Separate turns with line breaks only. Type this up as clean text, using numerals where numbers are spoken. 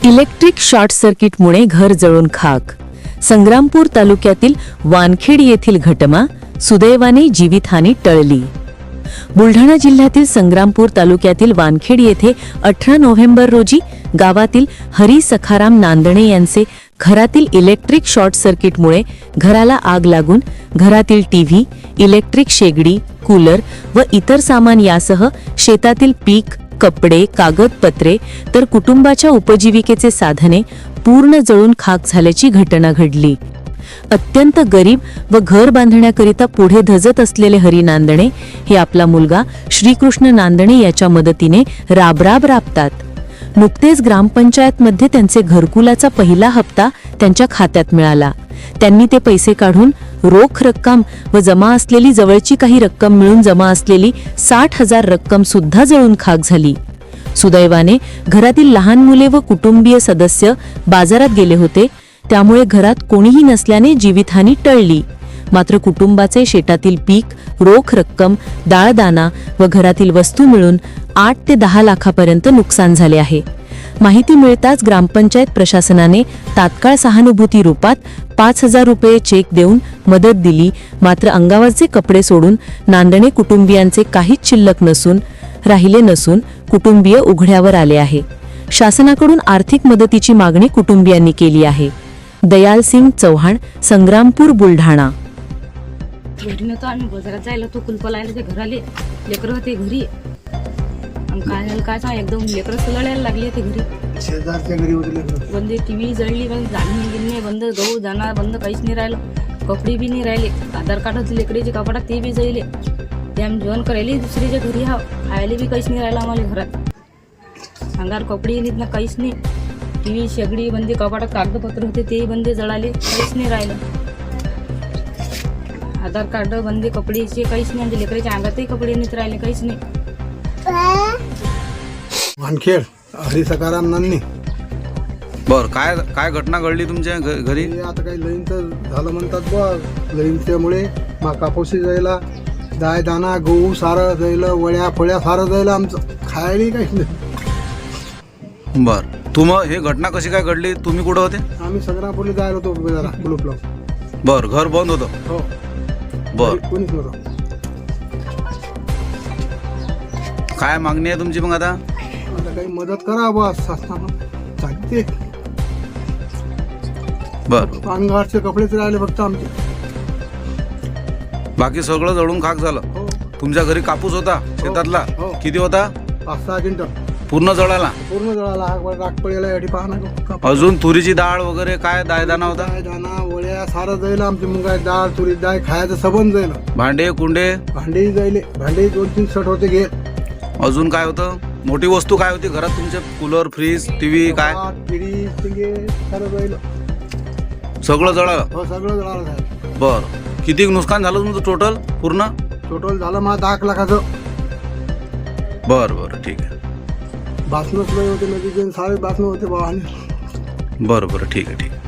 Electric short सर्किटमुळे घर जळून खाक. संग्रामपूर तालुक्यातील वानखेड येथील घटना सुदैवाने जीवितहानी टळली. बुलढाणा जिल्ह्यातील संग्रामपूर तालुक्यातील वानखेड येथे 18 नोव्हेंबर रोजी गावातील हरी सखाराम नांदणे यांचे घरातील इलेक्ट्रिक शॉर्ट सर्किटमुळे घराला आग लागून घरातील टीव्ही, इलेक्ट्रिक शेगडी, कूलर व इतर सामान यासह शेतातील पीक, कपडे, कागदपत्रे तर कुटुंबाच्या उपजीविकेचे साधने पूर्ण जळून खाक झाल्याची घटना घडली. अत्यंत गरीब व घर बांधण्याकरिता पुढे धजत असलेले हरी नांदणे हे आपला मुलगा श्रीकृष्ण नांदणे याच्या मदतीने राबराब राबतात. नुकतेच ग्रामपंचायतमध्ये त्यांचे घरकुलाचा पहिला हप्ता त्यांच्या खात्यात मिळाला. त्यांनी ते पैसे काढून रोख रक्कम व जमा असलेली जवळची काही रक्कम मिळून जमा असलेली 60,000 रक्कम सुद्धा जळून खाक झाली. सुदैवाने घरातील लहान मुले व कुटुंबीय सदस्य बाजारात गेले होते, त्यामुळे घरात कोणीही नसल्याने जीवितहानी टळली. मात्र कुटुंबाचे शेतातील पीक, रोख रक्कम, दाळदाणा व घरातील वस्तू मिळून 8 ते 10 लाखापर्यंत नुकसान झाले आहे. माहिती मिळताच ग्रामपंचायत प्रशासनाने तात्काळ सहानुभूती रूपात 5,000 रुपये चेक देऊन मदत दिली. मात्र अंगावरचे कपडे सोडून नांदणे कुटुंबियांचे काहीच शिल्लक राहिले नसून कुटुंबीय उघड्यावर आले आहे. शासनाकडून आर्थिक मदतीची मागणी कुटुंबियांनी केली आहे. दयाल सिंग चौहान, संग्रामपूर, बुलढाणा.
घरी नव्हतो आम्ही, बाजारात जायला तो कुलप लायला ते घराले लेकरं होते घरी. काय झालं काय सांग, एकदम लेकरं लढायला लागले ते घरी.
शेजारच्या घरी होते
बंद टीव्ही जळली, बंद धान्य गिन्ने बंद, गहू दाणा बंद, काहीच नाही राहिलं. कपडे बी नाही राहिले. आधार कार्ड होते लेकरीचे कपाटात, ते बी जळले. ते आम्ही जेवण करायला दुसरीच्या घरी खायला बी काहीच नाही राहिलं आम्हाला घरात. अंगार कपडे नाहीत ना, काहीच नाही. टीव्ही शेगडी बंदे, कपाटात कागदपत्र होते ते बंदे जळाले, काहीच नाही राहिलं. आधार कार्ड बंदे, कपडेचे काहीच नाही. आमच्या लेकराच्या अंगातही कपडे नाहीत राहिले, काहीच नाही.
वानखेड हरी सखाराम नांदणे.
बर, काय घटना घडली तुमच्या घरी?
आता काही लईनचं झालं म्हणतात बा. लईनच्यामुळे कापूसी जायला, दाय दाणा गहू सारं जायला, वळ्या फळ्या सारं जायला, आमचं खायला काहीच नाही.
बर, हे घटना कशी काय घडली? तुम्ही कुठं होते?
आम्ही संग्रामपूरला जायला होतो जरा कुलूप लावून.
बर, घर बंद होतं?
हो.
बर,
कोणीच नव्हतं.
काय मागणी आहे तुमची मग आता?
आता काही मदत करा बा शासनानं, चालते.
बर,
अंगावरचे कपडेच राहिले फक्त आमचे.
बाकी सगळं जळून खाक झालं?
हो.
तुमच्या घरी कापूस होता शेतातला?
हो.
किती होता?
5-6 क्विंटल
पूर्ण जळाला?
पूर्ण जळाला. राग पडेला याठी पाहणं.
अजून तुरीची डाळ वगैरे काय दायदाना होता?
दाणा वळ्या सारं जाईल. आमची मुगाय डाळ, तुरी डाळ खायचं सबंध जाईल.
भांडे कुंडे?
भांडी जाईल. भांडे 2-3 शर्ट होते घे.
अजून काय होतं? मोठी वस्तू काय होती घरात तुमच्या? कूलर, फ्रीज, टीव्ही काय?
पिढी सारं जाईल.
सगळं जळालं?
हो, सगळं जळालं साहेब.
बर, किती नुकसान झालं तुमचं टोटल पूर्ण?
टोटल झालं मला 10 लाखाचं.
बर बर, ठीक आहे.
बासनच नाही होते, नदीचे सारे बासनं होते बा.
बरं बरं, ठीक आहे.